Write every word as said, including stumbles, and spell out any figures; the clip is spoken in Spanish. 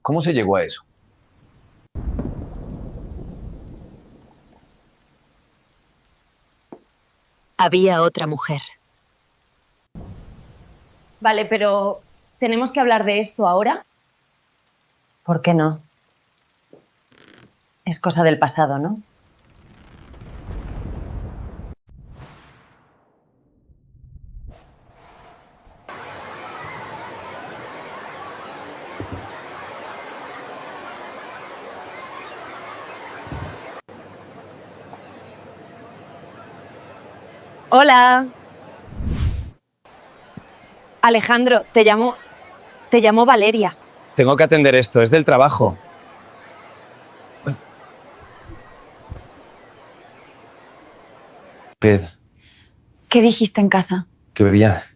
¿Cómo se llegó a eso? Había otra mujer. Vale, pero ¿tenemos que hablar de esto ahora? ¿Por qué no? Es cosa del pasado, ¿no? Hola. Alejandro, te llamo... Te llamo Valeria. Tengo que atender esto, es del trabajo. Ped, ¿Qué dijiste en casa? que bebía.